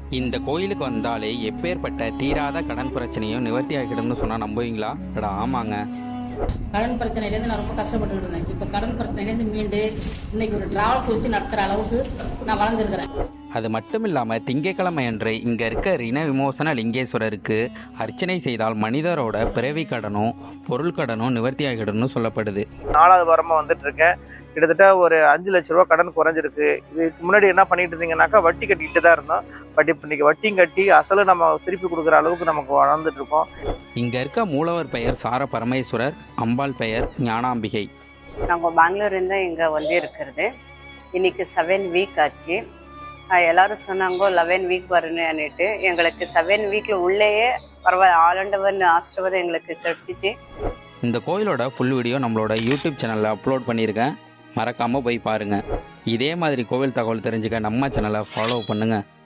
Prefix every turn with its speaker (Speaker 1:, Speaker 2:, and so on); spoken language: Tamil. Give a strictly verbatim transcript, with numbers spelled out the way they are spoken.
Speaker 1: இந்த கோயிலுக்கு வந்தாலே எப்பேற்பட்ட தீராத கடன் பிரச்சனையும் நிவர்த்தி ஆகிடும்னு சொன்னால் நம்புவீங்களா? அடா ஆமாங்க.
Speaker 2: கடன் பிரச்சனையிலேருந்து நான் ரொம்ப கஷ்டப்பட்டு இருந்தேன். இப்போ கடன் பிரச்சனையிலேருந்து மீண்டு இன்னைக்கு ஒரு டிராவல்ஸ் வச்சு நடத்துகிற அளவுக்கு நான் வளர்ந்துருக்கிறேன்.
Speaker 1: அது மட்டும் இல்லாமல் திங்கட்கிழமை அன்று இங்கே இருக்க ரிண விமோசன லிங்கேஸ்வரருக்கு அர்ச்சனை செய்தால் மனிதரோட பிறவி கடனும் பொருள் கடனும் நிவர்த்தி ஆகிடும்னு சொல்லப்படுது.
Speaker 3: நாலாவது வாரமாக வந்துட்டு இருக்கேன். கிட்டத்தட்ட ஒரு அஞ்சு லட்ச ரூபா கடன் குறைஞ்சிருக்கு. இதுக்கு முன்னாடி என்ன பண்ணிட்டு இருந்தீங்கன்னாக்கா வட்டி கட்டிக்கிட்டு தான் இருந்தோம். பட் இப்போ இன்னைக்கு வட்டியும் கட்டி அசலும் நம்ம திருப்பி கொடுக்குற அளவுக்கு நமக்கு வளர்ந்துட்டு இருக்கோம்.
Speaker 1: இங்கே இருக்க மூலவர் பெயர் சார பரமேஸ்வரர், அம்பாள் பெயர் ஞானாம்பிகை.
Speaker 4: நாங்கள் பெங்களூர்லேருந்து இங்கே வந்து இருக்கிறது. இன்னைக்கு செவன் வீக் ஆச்சு. எல்லாரும் சொன்னாங்க லெவன் வீக் வரணுன்னுட்டு. எங்களுக்கு செவன் வீக்கில் உள்ளேயே பரவாயில்ல ஆலண்டவன் ஆஸ்டவர் எங்களுக்கு கிடச்சிச்சு.
Speaker 1: இந்த கோயிலோட ஃபுல் வீடியோ நம்மளோட யூடியூப் சேனலில் அப்லோட் பண்ணியிருக்கேன். மறக்காமல் போய் பாருங்கள். இதே மாதிரி கோவில் தகவல் தெரிஞ்சுக்க நம்ம சேனலை ஃபாலோ பண்ணுங்கள்.